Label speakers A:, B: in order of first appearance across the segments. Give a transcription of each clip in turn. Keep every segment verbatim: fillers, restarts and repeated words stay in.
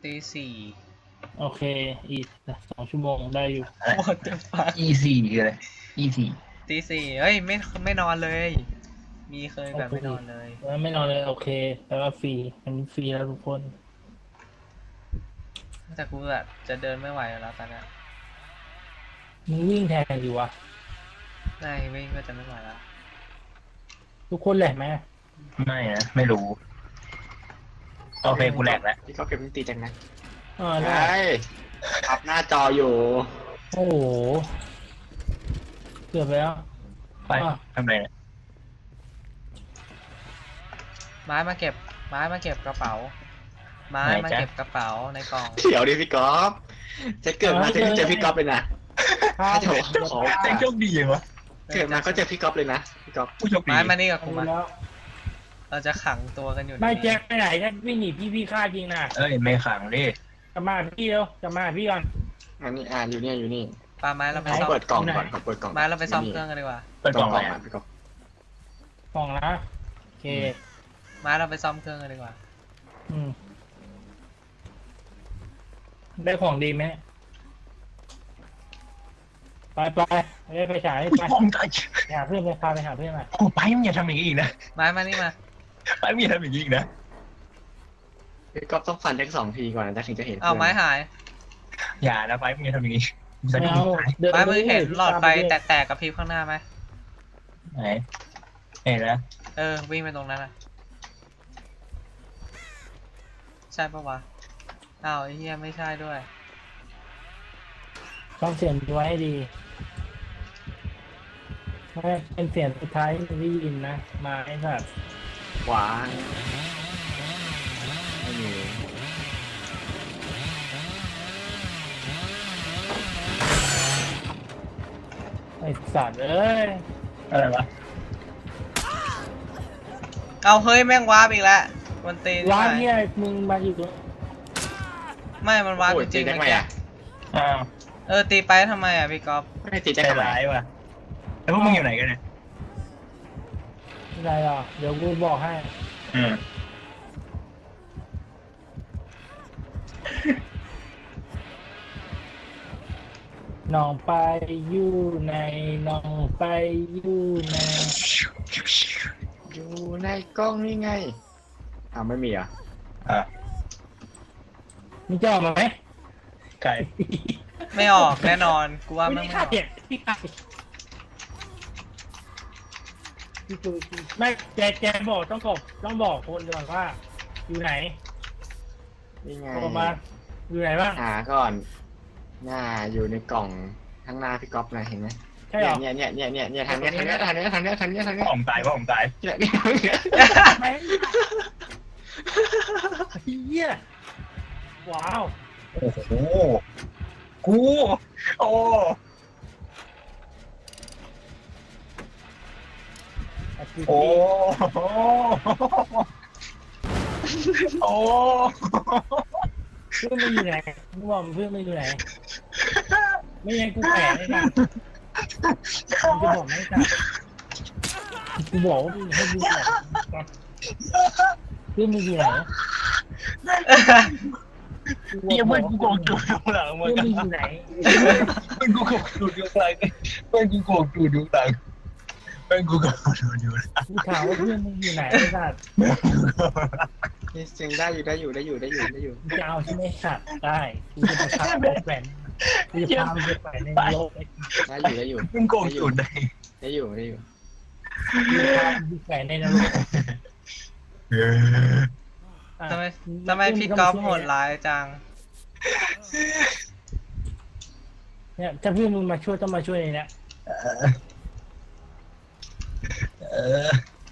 A: ตีสี่
B: โอเคอีกสองชั่วโมงได้อยู่
A: What the fuck
C: E สี่คืออะไร E สี่
A: ตีสี่เฮ้ยไม่ไม่นอนเลย มีเคยแบบไม่นอนเลย
B: แล้วไม่นอนเลยโอเคแปลว่าฟรีมันฟรีแล้วทุกคน
A: แต่กูแบบจะเดินไม่ไหวแล้วตอนนี้
B: มึงวิ่งแทนอยู่วะ
A: ได้วิ่งก็จะไม่ไหวแล้ว
B: ทุกคนแหละไหม
C: ไม่นะไม่รู้โอเคกูแหลกแล้ว
D: พี่ก็เก็บมิติจังนะ
B: อ่าได้
D: ใช่อัพหน้าจออยู่
B: โอ้โหเกือบไปแล้ว
C: ไปทำไรเนี่ย
A: ไม้มาเก็บไม้มาเก็บกระเป๋า ไม้มาเก็บกระเป๋าในกล่อง
D: เดี๋ยวดิพี่ก๊อฟจะเกิดมาจะเจอพี่ก๊อฟเลยนะ
B: ข้า
D: ถ้าจะบอกขอ
C: แต่โชคดียังวะ
D: เกิดมาก็เจอพี่ก๊อฟเลยนะพี่ก๊อฟ
C: ผู้โชคดี
A: ไม้มานี่กับกูมา
B: แล้ว
A: เราจะขังตัวกันอยู่
B: ไม่
A: ใน
B: แจ็คไปไหนแจ็ควิ่งหนีพี่พี่ฆ่าจริงนะ
C: เอ้ยไม่ขังดิ
B: กลับมาพี่เร็วกลับมาพี่ก่อน
D: อันนี้อ่าอยู่นี่อยู่นี่
A: ปาไม้เราไป
D: ขอ
A: ซ่อม
D: เปิดกล่องก่อนขอเปิดกล่อง
A: ไม้เราไปซ่อมเครื่องกันดีกว่า
C: เปิด
D: ก
C: ก
D: ล่
C: ล่
D: อ
C: อง ง
D: ก
C: อะ
D: ล่อง
C: ไร
D: อ่ะพี่ก๊อฟ
B: กล่องนะโอเค
A: ไม้เราไปซ่อมเครื่องกันดีกว่า
B: อืมได้ของดีไหมไปไปไปไปฉายไป
C: ผมตาย
B: ไปหาเพื่อนไปพาไปหาเพื่อนมา
C: โอ้ไปมึงอย่าทำอย่างนี้อีกนะ
A: ไม้มานี่มา
C: ไปมึงอย่าทำอย่างนี้อีกนะ
D: พี่ก๊อฟต้องฟันแท็กสองทีก่อนนะถึงจะเห็น
A: เอาไม้หาย
C: อย่านะไปมึงอย่าทำอย่างนี้จะ
B: ไม่
C: ได้
B: เอาเดิน
A: ไม้มือเห็นหลอดไฟ
B: ตาม
A: แตกๆกับพริบข้างหน้าไหม
C: ไหนเห็นแล้ว
A: เออวิ่งไปตรงนั้นนะใช่ปะวะอ้าวไอ้เหี้ยไม่ใช่ด้วย
B: ต้องเสียงไว้ให้ดีไม่เป็นเสียงสุดท้ายที่ได้ยินนะมาไอ้สัตว์
D: ขวาไม่มี
B: ไอ้สัตว์เอ้ย
C: อะไรวะ
A: เอาเฮ้ยแม่งวาร์ปอีกแล้วมันตีน
B: ร้าน
A: ไป
B: เนี่ยมึงมาอยู่ตรง
A: ไม่มันวาร์ป
D: โอ้ย
A: จ
D: ตี
A: ริงๆ
D: ได้
A: เมื่อ
D: ไหม
A: กี้
D: อ่ะ
C: อ้าว
A: เออตีไปทำไมอ่ะพี่ก๊อฟ
D: ไม่ตี
C: ใจ
D: ได้ไหม
C: ร้ายว่ะแล้วพวกมึงอยู่ไหนกันเนี่ย
B: อะไรอ่ะเดี๋ยวกูบอกให้
C: อืม
B: น้องไปอยู่ในน้องไปอยู่ใน
D: อยู่ในกล้องนี่ไงอ้าวไม่มีอ่ะ
C: อ่ะ
B: มึงจะออกมาไหม
C: ไก่
A: ไม่ออกแน่นอนกูว่า
B: ไม่
A: ไม่
B: ได้
A: อ
B: ฆ่า
A: อก
B: เด็กพี่ฆ่าพี่กูไม่แจแจบอกต้องบอกต้องบอกคนก่อนว่า อยู่ไหน
D: นี่ไง
B: บอกมาอยู่ไหนบ้าง
D: หาก่อนหน้าอยู่ในกล่องข้างหน้าพี่ก๊อฟนะเห็นไหม
B: ใช่เหรอ
D: เนี่ยเนี่ยเนี่ยเนี่ยเนี่ยทางเนี้ยทางเนี้ยทางเนี้ยทางเนี้ยทางเนี้ยทางเนี้ย
C: พ่อผมตายพ่อผมตาย
D: เนี่ยเนี่ยเนี่ย
B: ไหนเฮียว้าว
C: โอ้โหกูโอ้
B: อาทิตย์
C: โอ้
B: นี้
C: โอ้
B: เพื่อนไม่อยู่ไหนมึงบอกเพื่อนไม่อยู่ไหนไม่งั้นกูแผลเลยนะกูจะบอกไม่จับกูบอกว่ามึงให้กูบอกเพื่อนมึงอยู่ไหน
C: เดี๋ยวมันกูโกงจูดอยู่หลังมึ
B: เพื่
C: ง
B: อนมึงอยู่ไหน
C: มันกูโกงจูดอยู่หลังมันกูโกงจูดอยู่หลังมันกูโกงจูดอยู่หลัง
B: กูถามว่าเพื่อนมึงอยู่ไหนไอ้สัตว์
D: นี่เสียงได้อยู่ได้อยู่ได้อยู่ได้อยู่ได้อยู่
B: กูจะเอาใช่ไหมสัตว์ได้กูจะพาไปแขวนกูจะพาไปแขวนในโลกไอ้
D: ได้อยู่ได้อยู่
C: มันโกงจูดได้
D: ได้อยู่ได้อยู่
B: กูจะพาไปแขวนในนรก
C: เออ
B: อ่ะ
A: ทำไมทำไมพี่ก๊อฟโหดร้ายจัง
B: เนี่ยถ้าเพื่อนมึงมาช่วยต้องมาช่วยในเนี้ย
C: เออ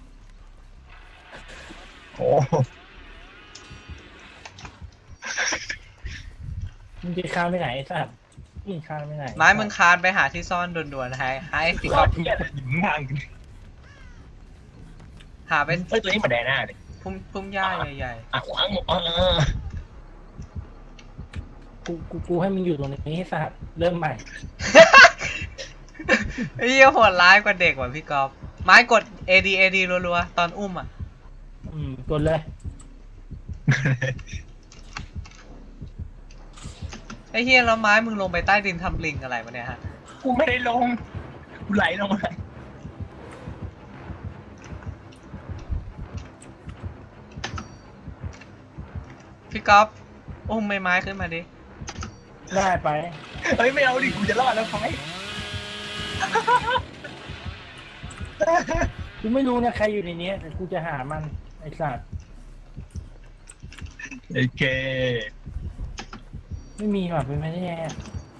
C: โอ้
B: มึงจะข้ามไปไหนไอ้สัตว์มึงข้ามไปไหน
A: ไม้มึงคานไปหาที่ซ่อนด่วนๆให้ให้พี่
C: ก็
A: ก๊อฟ
C: เนี่ยหญิงทาง
A: หาเป็น
C: เฮ้ยตัวนี้มาแดหน้าเลย
A: พุ่มพุ่มหญ้าใหญ่
C: อ่ะขวางเออ
B: กูกูกูให้มึงอยู่ตรงนี้ให้สัตว์เริ่มใหม่
A: ๆไอ้เหี้ยโหดร้ายกว่าเด็กว่ะพี่ก๊อฟไม้กด เอ ดี เอ ดี รัวๆตอนอุ้มอ่ะ
B: อืมกดเลย
A: ไอ้เฮียแล้วไม้มึงลงไปใต้ดินทำลิงอะไรวะเนี่ยฮะ
C: กูไม่ได้ลงกูไหลลงมา
A: พี่ก๊อฟอุ้มไม้ไม้ขึ้นมาดิ
B: ได้ไป
C: เฮ้ยไม่เอาดิกูจะรอดแล้วไฟ
B: กูไม่รู้นะใครอยู่ในนี้แต่กูจะหามันไอ้สัตว์
C: โอเค
B: ไม่มีหรอกเป็นไปได้ไงอะ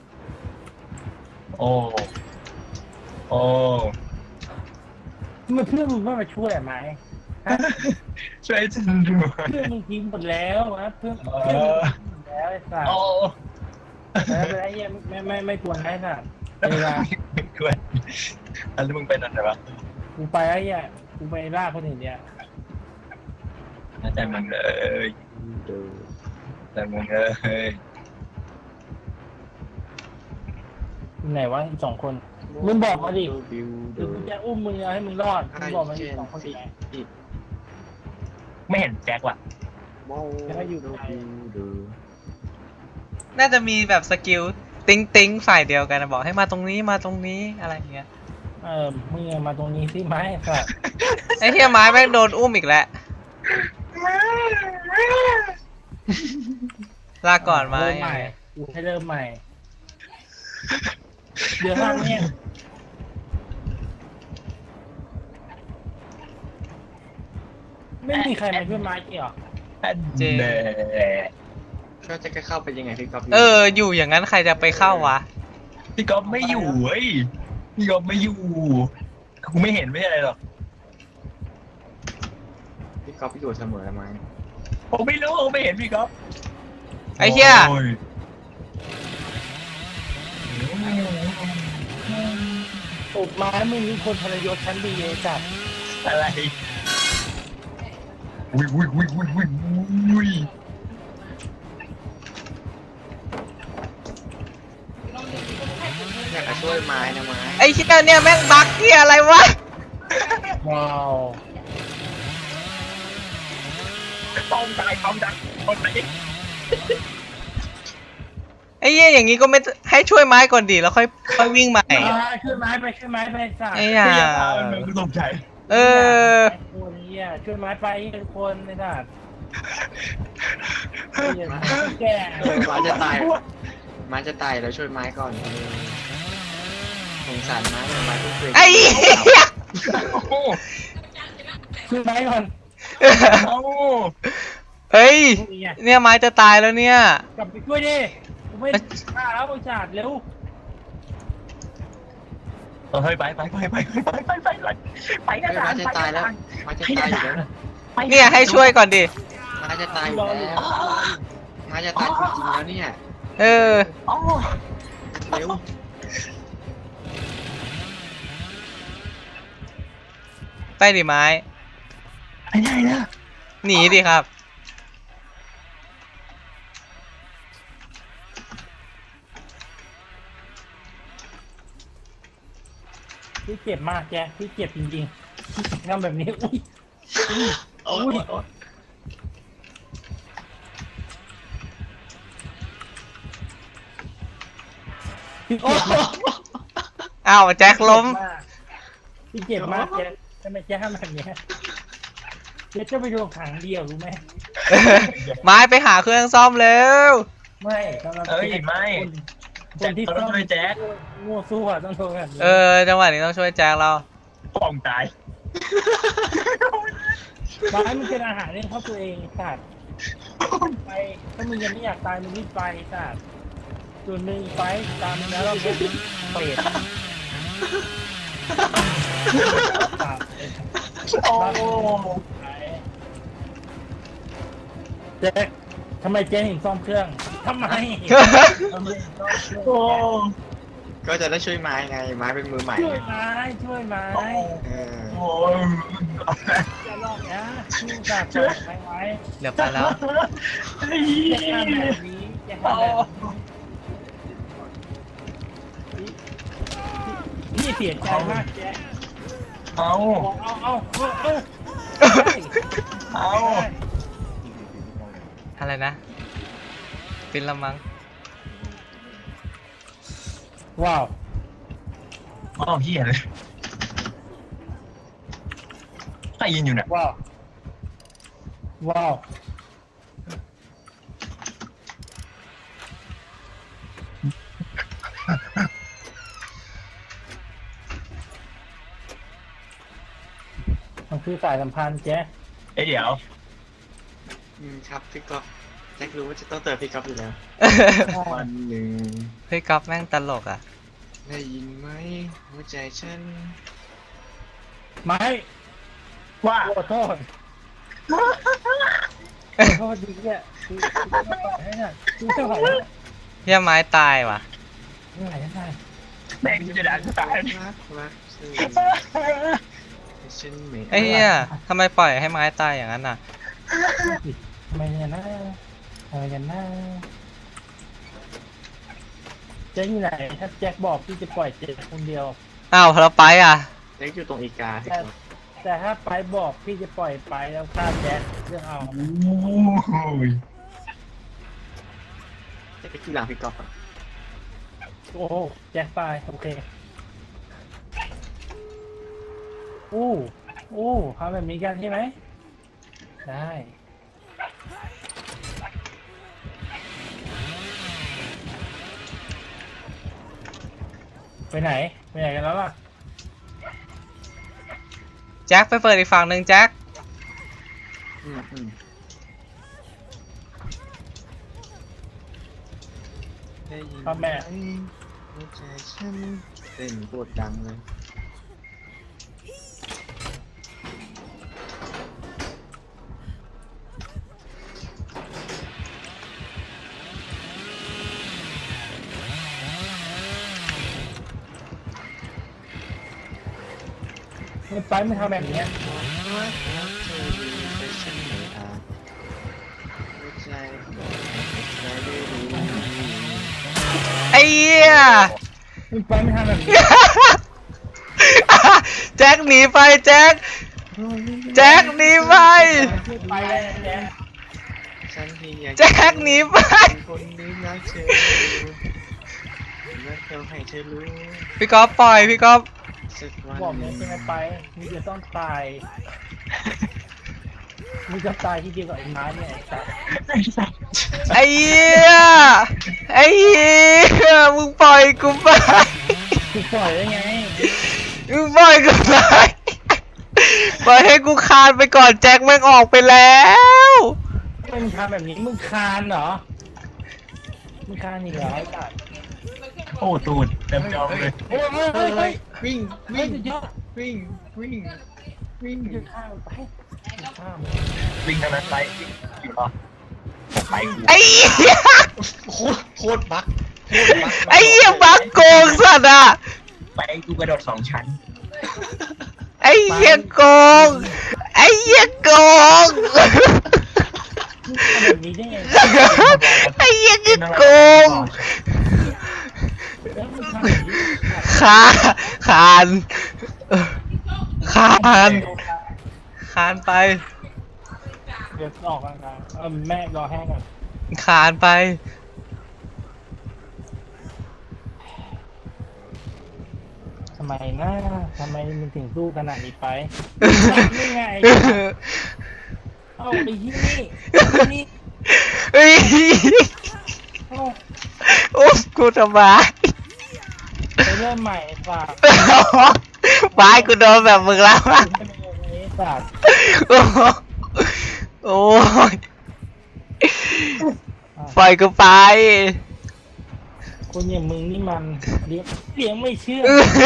C: โอ้โอ้
B: ทำไมเพื่อนมึงไม่มาช่วยอะไหมฮะ
C: ช่วยฉันด้วย
B: เพื่อนมึงทิ้งหมดแล้วนะเพื่อน
C: เอ
B: เพื่อนมึง
C: อ
B: ทิ้งหมดแล้วไอ้สัตว์
C: โอ้
B: แล้วเป็นไอ้เหี้ยไม่ไม่ไม่ควรไอ้สัตว์เวลา
C: ไม่ควรอันนี้มึงเป็นอะไรวะ
B: กูไปไอ้เหี้ยกูไปล่าคนอื่นเนี่ย
C: น่าใจมึงเลย
D: ดู
C: แต่มึงเลย
B: อยู่ไหนวะอีกสองคนมึงบอกมาดิ
D: บิว
B: หรือ
D: ดู
B: กูจะอุ้มมึงเอาให้มึงรอดมึงบอกมาอีกสองคนไหน
C: ไม่เห็นแจ็คว่ะ
D: โม้ดูบิวดู
A: น่าจะมีแบบสกิลติ้งติ้งฝ่ายเดียวกันนะบอกให้มาตรงนี้มาตรงนี้อะไรอย่างเงี้ย
B: เออมึงเอามาตรงนี้สิไหมไอ้สัตว์
A: ไอ้เฮียไม้แม่งโดนอุ้มอีกแล้วลาก่อนไม้
B: เริ่มใหม่กูให้เริ่มใหม่เดี๋ยวห้างเนี่ยไม่มีใครมาช่วยไม้เกี่ยว
C: เจ
D: ก็จะเข้าไปยังไงพี่ก๊อฟ
A: เอออยู่อย่างนั้นใครจะไปเข้าวะ
C: พี่ก๊อฟไม่อยู่เว้ยพี่ก๊อฟไม่อยู่กูไม่เห็นไม่ใช่อะไรหรอก
D: พี่ก๊อฟอยู่เสมอไหม
C: ผมไม่รู้ผมไม่เห็นพี่ก๊อฟ
A: ไอ้เฮีย
C: โอ้
B: ตบไม้มึงมีคนทรยศชั้นดีเลยจัด
C: อะไรอุ้ยอุ้ยอุ้ยอุ้ยอุ้ยอุ้ย
D: อยากจะช่วยไม้นะไม้
A: ไอ้เฮียเนี่ยแม่งบั๊กเฮียอะไรวะ
B: ว้าว
C: ต้องตายต้องดักคนไหน
A: ไอ้เฮียอย่างงี้ก็ไม่ให้ช่วยไม้ก่อนดีแล้วค่อยค่อยวิ่งใหม่
B: อ่าช่วยไม้ไปช่วยไม้ไปสัตว์
A: ไอ้ห่า
C: พี่ยาตามันเหมือนกูตกใจ
A: เออ
B: คนนี้อ่ะช่วยไม้ไปทุกคนไอ้สัตว์แก่
D: ไม้จะตายไม้จะตายแล้วช่วยไม้ก่อนเออสงสารไม้เลยไม้ทุกเคย
A: ไอ้เหี้ย
C: โอ้โห
B: ช่วยไม้ก่อน
C: เอ้า
A: เฮ้ย
B: นี่ไง
A: เนี่ยไม้จะตายแล้วเนี่ย
B: กลับไปช่วยดิกูไม่ฆ่าแล้วบริษัทเร็ว
C: เฮ้ยไปไปไปไปไปไปไปไปไปไปกัน
D: ไม้จะตายแล้วไม้จะตายอยู่แล้วนะ
A: เนี่ยให้ช่วยก่อนดิ
D: ไม้จะตายอยู่แล้วไม้จะตายจริงๆแล้วเนี่ย
A: เออ
C: อ๋อ
D: เร็ว
A: ไปดิไม้
C: ไปไหนนะ
A: หนีดิครับ
B: พี่เจ็บมากแกพี่เจ็บจริงๆทำแบบนี้อุ้ย
C: โอ้ยโอ้ย
B: พี่เจ็บมาก
A: อ้าวแจ็คล้ม
B: พี่เจ็บมากแกทำไมแกทำแบบนี้เดี๋ยวจะไปโดนขังเดียวรู้ไหม
A: ไม้ไปหาเครื่องซ่อมเร็ว
B: ไม่สำหรับ
C: เอ้ยไม่
B: คนคนที่
C: แจ็คต้องช่วยแจ็ค
B: งัวสู้อะต้องโดนแบบนี้
A: เออจังหวะนี้ต้องช่วยแจ็คเรา
C: ป้องตาย
B: ไม้มันเป็นอาหารเลี้ยงครอบตัวเองไอ้สัตว์ไปถ้ามึงยังไม่อยากตายมึงรีบไปไอ้สัตว์ส่วนหนึ่งไปตามมึงแล้วเราเป็นเปรต
C: โอ้
B: เจ๊กทำไมเจ๊ถึงซ่อมเครื่องทำไมทำไมถึงซ่อมเครื่อง
C: โอ้
D: ก็จะได้ช่วยไม้ไงไม้เป็นมือใหม่
B: ช่วยไม้ช่วยไม้
D: เออ
C: โอ้ย
B: จะลอกนะชื่อจากช่วยไม้ไว้
A: เดี๋ยวไปแล้ว
B: จะทำแบบนี้จะทำแบบนี้พี่เสียใจมากแจ๊
C: เอา
B: เอาเอาเอาเอา
C: เอา
B: ได้
A: อะไรนะปินละมัง
B: ว้าว
C: อ้าวเฮียเลยใครยินอยู่เนี่ย
B: ว้าวว้าวมันคือสายสัมพันธ์แจ๊
C: เอ้ยเดี๋ยว
D: อืมครับพี่ก๊อฟแจ็ครู้ว่าจะต้องเติมพี่ก๊อฟอยู่แล้ววันหนึ่ง
A: เฮ้ยก๊อฟแม่งตลกอ่ะ
D: ได้ยินไหมหัวใจฉัน
B: ไม้
C: ว่า
B: ขอโทษขอโทษดีเนี่ยคือคือไม่ไหวแล้วเนี่ยคือไม่ไหวแล้ว
A: เฮียไม้ตายว่ะ
B: ไม่ไหวแล้วไง
C: แม่งจะด่ากูตาย
D: รักรักฉันให้ฉันไม่
A: ไอ้เฮียทำไมปล่อยให้ไม้ตายอย่างนั้นอ่ะ
B: ทำไมเนี่ยนะทำไมกันนะแจ็คอยู่ไหนถ้าแจ็คบอกพี่จะปล่อยเจ็คคนเดียว
A: อ้าวเราไปอ่ะ
D: แจ็คอยู่ตรงอีกาพี่
B: แต่
D: ก๊อฟ
B: แต่ถ้าไปบอกพี่จะปล่อยไปแล้วฆ่าแจ็คเรื่องเอา
C: โอ้ย
D: แจ็คไปที่หลังพี่ก๊อฟอะ
B: โอ้โหแจ็คตายโอเคอู้อู้ทำแบบนี้กันใช่ไหมได้ไปไหนไปไหนกันแล้วล่ะ
A: แจ็คไปเปิดอีกฝั่งหนึ่งแจ็ค
D: อืมอืมได้ยิน
B: พ่อแม่
D: ไหหัวใจฉันเต้นปวดดังเลย
B: ไม่ไปไม่ทำแบบเนี้ย
D: รักรักเธออยู่แต่ฉันไม่อาจหัวใจบอกให้ใครได้รู้
A: ไอ้เหี้ย
B: ไม่ไปไม่ทำแบบนี้
A: แจ็คหนีไปแจ็คแจ็คหนีไป
B: ไปเลยแจ็ค
D: ฉันที่อยาก
A: แจ็คหนีไป
D: เป็นคนนี้รักเธอรักเธอให้เธอรู้
A: พี่ก๊อฟปล่อยพี่ก๊อฟ
D: สักวัน
B: บอก
D: ห
B: เนี่
D: นึ่
B: ย
D: ง
B: จะไม่ไปมึงจะต้องตายมึงจะตายที่เดียวกับไอ้ม้าเนี่ยไอ้สัตว์
A: ไอ้เหี้ยไอ้เหี้ยมึงปล่อยกูไป
B: กูปล่อยได้ไง
A: มึงปล่อยกูไปปล่อยให้กูคานไปก่อนแจ็คแม่งออกไปแล้ว
B: มึงทำแบบนี้มึงคานเหรอมึงคานอีกเหรอไอ้สัตว์
C: โอ้ตูดเต็มจอเลย
B: โอ้ยเฮ้ย
D: เฮ้
B: เฮ้
D: ย
B: ย
D: เฮ้
B: เฮ้
D: ย
B: ย
D: วิ่ง
B: เฮ้ยสุดยอด
D: วิ่งวิ่งวิ่ง
B: มึงจะฆ่ามันไปมึงฆ่ามัน
C: วิ่งทางนั้นไปวิ่งอยู่รอไปกู
A: ไอ้เหี้ย
D: โคตรโคตรบักโคตรบัก
A: ไอ้เหี้ยบักโกงสัตว์อ่ะ
C: ไปกูกระโดดสองชั้น
A: ไอ้เหี้ยโกงไอ้เหี้ยโกง
B: มึงทำแบบนี้ได้ไง
A: ไอ้เหี้ยคือโกง
B: แล้วมึงทำแบบนี้
A: ขาคานคานคานไป
B: เดี๋ยวออกกำลังกายเออแม่รอแห้งก่อน
A: คานไป
B: ทำไมนะทำไมมึงถึงสู้ขนาดนี้ไปนี่ไงเอาไปที่นี่นี่
A: เฮ้ย
B: เอา
A: โอ้กูทำไม
B: ไปเริ่มใหม่ฝาก
A: ไม้กูโดนแบบมึงแล้วอะ
B: ไม่เป็นไรฝาก
A: โอ้โหโอ้ยปล่อยกูไป
B: คนอย่างมึงนี่มันเลี้ยงเลี้ยงไม่เชื่อ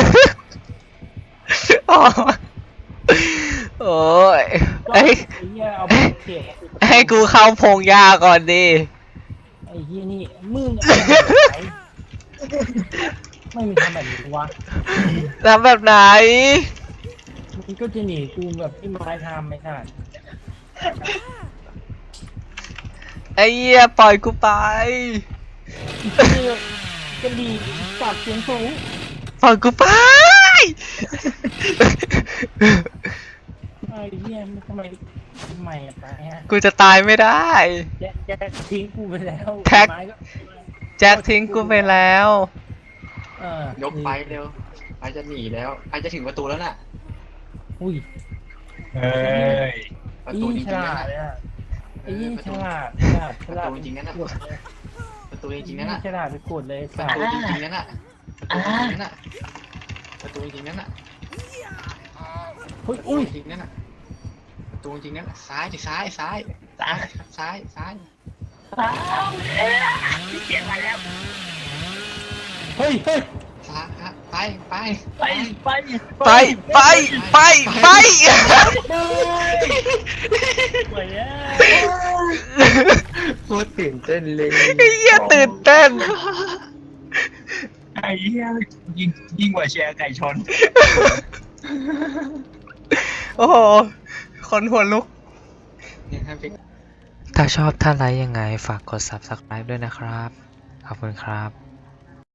A: โอ้ยโอ้ย
B: ไอ้
A: เอ้ย
B: เหี้ยเอาไปเสียบ
A: ให้กูเข้าพงหญ้าก่อนดิ
B: ไอ้เหี้ยนี่มึงเอาไปไหนไม่มีทำแบบนี้วะ
A: ทำแบบไหน
B: มึงก็จะหนีกูแบบที่ไม้ทำไม่ใช่
A: ไอ้เหี้ยปล่อยกูไป
B: กระดีปากเสียงสูง
A: ปล่อยกูไป
B: ไอ้เหี้ยทำไมทำไมอะไปฮะ
A: กูจะตายไม่ได้
B: แจ็คแจ็คทิ้งกูไปแล้ว
A: แท็ก
B: ไม้ก็
A: แจ็คทิ้งกูไปแล้ว
B: ไเออย
D: กไปเร็วไปจะหนีแล้วไปจะถึงประตูแล้วน่ะ
B: อุ้ย
C: เฮ้ย
D: ประตูจริง
B: ฉ
D: ๆ
B: ลา
D: นั่น
B: ด
D: น่ะ
B: เลยอ่ะ
D: เอ
B: ไอ้
D: อ
B: ยี่
D: ประ
B: ฉ
D: ตู
B: ลาดฉลาดฉลาด
D: ประตูจริงๆนั่นน่ะ
B: กดเลย
D: ประตูจริงๆนั่นน่ะ
B: ฉลาดไปกดเลย
D: ป
B: สั
D: ระ
B: ต
D: ตู
B: ว์
D: จริงๆนั่นน่ะประตูจริงๆนั่นน่ะประตูจริงๆนั่นน่ะ
B: เฮ้ย
D: ประตู
B: อุ้ย
D: จริงๆนั่นน่ะประตูจริงๆนั่นน่ะซ้ายดิซ้ายซ้ายซ้ายซ้ายซ้าย
B: เฮ้ยเฮ้ย
D: ซ้ายไปไป
C: ไปไป
A: ไปไปไปไป
B: ไปอ่ะ
D: โคตรตื่นเต้นเลย
A: ไอ้เหี้ยตื่นเต้น
C: ไอ้เหี้ยยิ่งยิ่งกว่าแชร์ไก่ชน
A: โอ้โห คนหัวลุก
D: เนี่ยครับพี่
A: ถ้าชอบถ้าไลค์ยังไงฝากกด ซับสไครบ์ ด้วยนะครับ ขอบคุณครับ